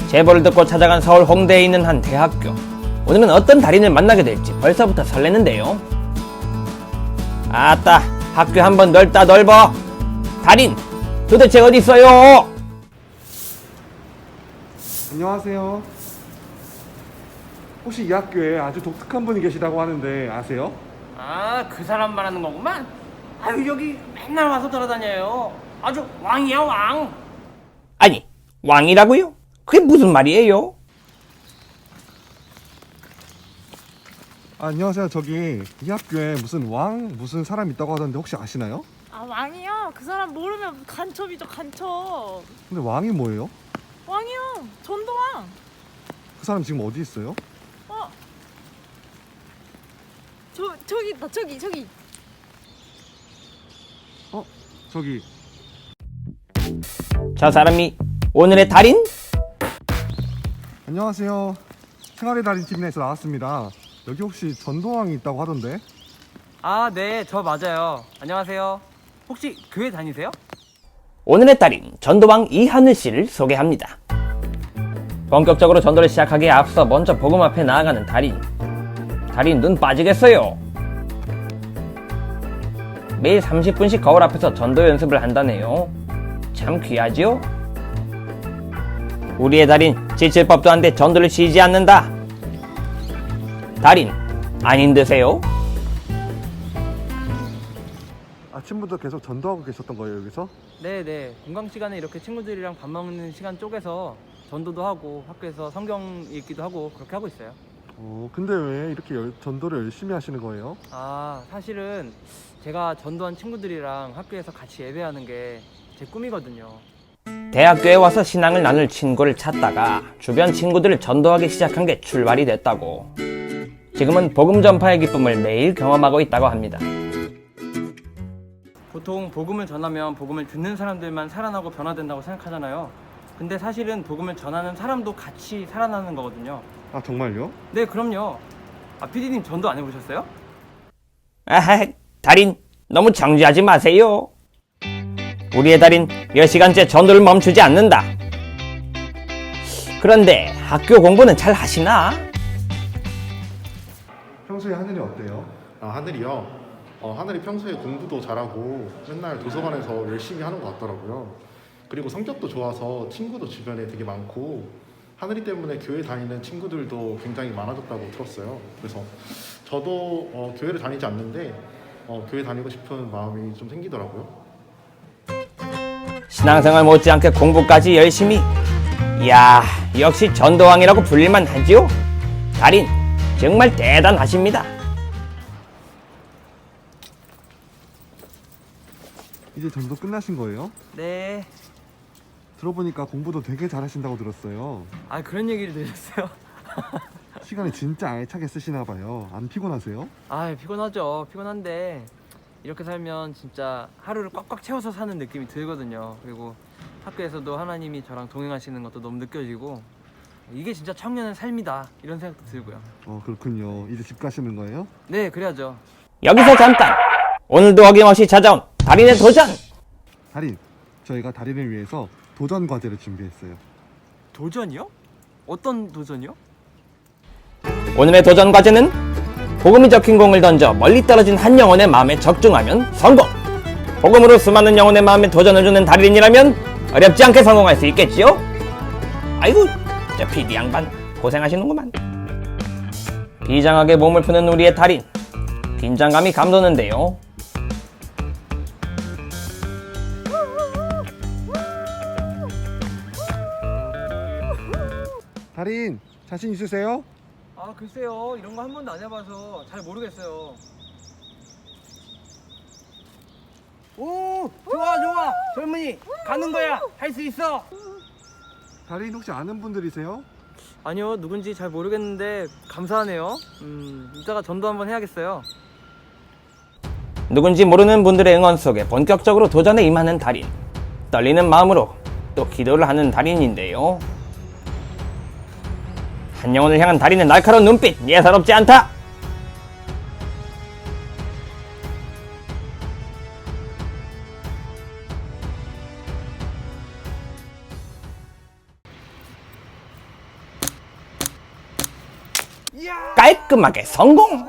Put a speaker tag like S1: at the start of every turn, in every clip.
S1: 제보를 듣고 찾아간 서울 홍대에 있는 한 대학교. 오늘은 어떤 달인을 만나게 될지 벌써부터 설레는데요. 아따, 학교 한번 넓다 넓어. 달인, 도대체 어디 있어요?
S2: 안녕하세요. 혹시 이 학교에 아주 독특한 분이 계시다고 하는데 아세요?
S3: 아, 그 사람 말하는 거구만. 아유, 여기 맨날 와서 돌아다녀요. 아주 왕이야, 왕.
S1: 아니, 왕이라고요? 그게 무슨 말이에요?
S2: 안녕하세요. 저기 이 학교에 무슨 사람 있다고 하던데 혹시 아시나요?
S4: 아, 왕이요? 그 사람 모르면 간첩이죠, 간첩.
S2: 근데 왕이 뭐예요?
S4: 왕이요, 전도왕.
S2: 그 사람 지금 어디 있어요?
S4: 어, 저기 있다, 저기.
S2: 저기
S1: 저 사람이 오늘의 달인?
S2: 안녕하세요. 생활의 달인 TV에서 나왔습니다. 여기 혹시 전도왕이 있다고 하던데?
S3: 아, 네, 저 맞아요. 안녕하세요. 혹시 교회 다니세요?
S1: 오늘의 달인 전도왕 이하늘 씨를 소개합니다. 본격적으로 전도를 시작하기에 앞서 먼저 복음 앞에 나아가는 달인. 달인 눈 빠지겠어요. 매일 30분씩 거울 앞에서 전도 연습을 한다네요. 참 귀하지요? 우리의 달인 지칠 법도 한데 전도를 쉬지 않는다. 달인 안 힘드세요?
S2: 아침부터 계속 전도하고 계셨던 거예요, 여기서?
S3: 네. 공강 시간에 이렇게 친구들이랑 밥 먹는 시간 쪼개서 전도도 하고 학교에서 성경 읽기도 하고 그렇게 하고 있어요.
S2: 근데 왜 이렇게 전도를 열심히 하시는 거예요?
S3: 아, 사실은 제가 전도한 친구들이랑 학교에서 같이 예배하는 게 제 꿈이거든요.
S1: 대학교에 와서 신앙을 나눌 친구를 찾다가 주변 친구들을 전도하기 시작한 게 출발이 됐다고. 지금은 복음 전파의 기쁨을 매일 경험하고 있다고 합니다.
S3: 보통 복음을 전하면 복음을 듣는 사람들만 살아나고 변화된다고 생각하잖아요. 근데 사실은 복음을 전하는 사람도 같이 살아나는 거거든요.
S2: 아, 정말요?
S3: 네, 그럼요. 아, PD님 전도 안 해보셨어요?
S1: 아하, 달인 너무 정지하지 마세요. 우리의 달인 몇 시간째 전도를 멈추지 않는다. 그런데 학교 공부는 잘 하시나?
S2: 평소에 하늘이 어때요?
S5: 아, 하늘이요? 하늘이 평소에 공부도 잘하고 맨날 도서관에서 열심히 하는 것 같더라고요. 그리고 성격도 좋아서 친구도 주변에 되게 많고 하늘이 때문에 교회 다니는 친구들도 굉장히 많아졌다고 들었어요. 그래서 저도 교회를 다니지 않는데 교회 다니고 싶은 마음이 좀 생기더라고요.
S1: 신앙생활 못지않게 공부까지 열심히. 이야, 역시 전도왕이라고 불릴만 하지요? 달인 정말 대단하십니다.
S2: 이제 전도 끝나신 거예요?
S3: 네.
S2: 들어보니까 공부도 되게 잘하신다고 들었어요.
S3: 아, 그런 얘기를 들으셨어요?
S2: 시간을 진짜 알차게 쓰시나 봐요. 안 피곤하세요?
S3: 아, 피곤하죠. 피곤한데 이렇게 살면 진짜 하루를 꽉꽉 채워서 사는 느낌이 들거든요. 그리고 학교에서도 하나님이 저랑 동행하시는 것도 너무 느껴지고 이게 진짜 청년의 삶이다 이런 생각도 들고요.
S2: 그렇군요. 이제 집 가시는 거예요?
S3: 네, 그래야죠.
S1: 여기서 잠깐! 오늘도 어김없이 찾아온 달인의 도전!
S2: 달인, 저희가 달인을 위해서 도전 과제를 준비했어요.
S3: 도전이요? 어떤 도전이요?
S1: 오늘의 도전 과제는 복음이 적힌 공을 던져 멀리 떨어진 한 영혼의 마음에 적중하면 성공! 복음으로 수많은 영혼의 마음에 도전을 주는 달인이라면 어렵지 않게 성공할 수 있겠지요? 아이고, 저 PD 양반 고생하시는구만. 비장하게 몸을 푸는 우리의 달인. 긴장감이 감도는데요.
S2: 달인, 자신 있으세요?
S3: 아, 글쎄요. 이런 거 한 번도 안 해봐서 잘 모르겠어요. 오, 좋아. 젊은이, 가는 거야. 할 수 있어.
S2: 달인 혹시 아는 분들이세요?
S3: 아니요, 누군지 잘 모르겠는데 감사하네요. 이따가 전도 한번 해야겠어요.
S1: 누군지 모르는 분들의 응원 속에 본격적으로 도전에 임하는 달인. 떨리는 마음으로 또 기도를 하는 달인인데요. 한 영혼을 향한 달인의 날카로운 눈빛 예사롭지 않다. 깔끔하게 성공!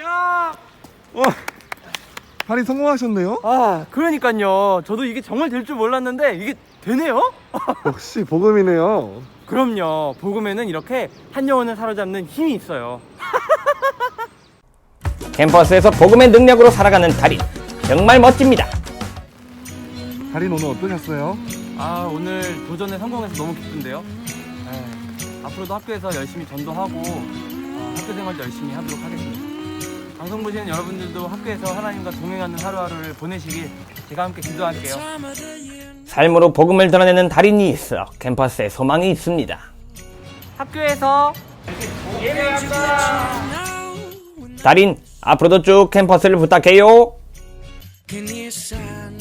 S2: 달인 성공하셨네요.
S3: 아, 그러니까요. 저도 이게 정말 될 줄 몰랐는데 이게 되네요?
S2: 역시 복음이네요.
S3: 그럼요. 복음에는 이렇게 한 영혼을 사로잡는 힘이 있어요.
S1: 캠퍼스에서 복음의 능력으로 살아가는 달인, 정말 멋집니다.
S2: 달인 오늘 어떠셨어요?
S3: 아, 오늘 도전에 성공해서 너무 기쁜데요. 앞으로도 학교에서 열심히 전도하고 학교 생활도 열심히 하도록 하겠습니다. 방송 보시는 여러분들도 학교에서 하나님과 동행하는 하루하루를 보내시길 제가 함께 기도할게요.
S1: 삶으로 복음을 드러내는 달인이 있어 캠퍼스에 소망이 있습니다.
S3: 학교에서
S1: 달인, 앞으로도 쭉 캠퍼스를 부탁해요.
S6: Can you sign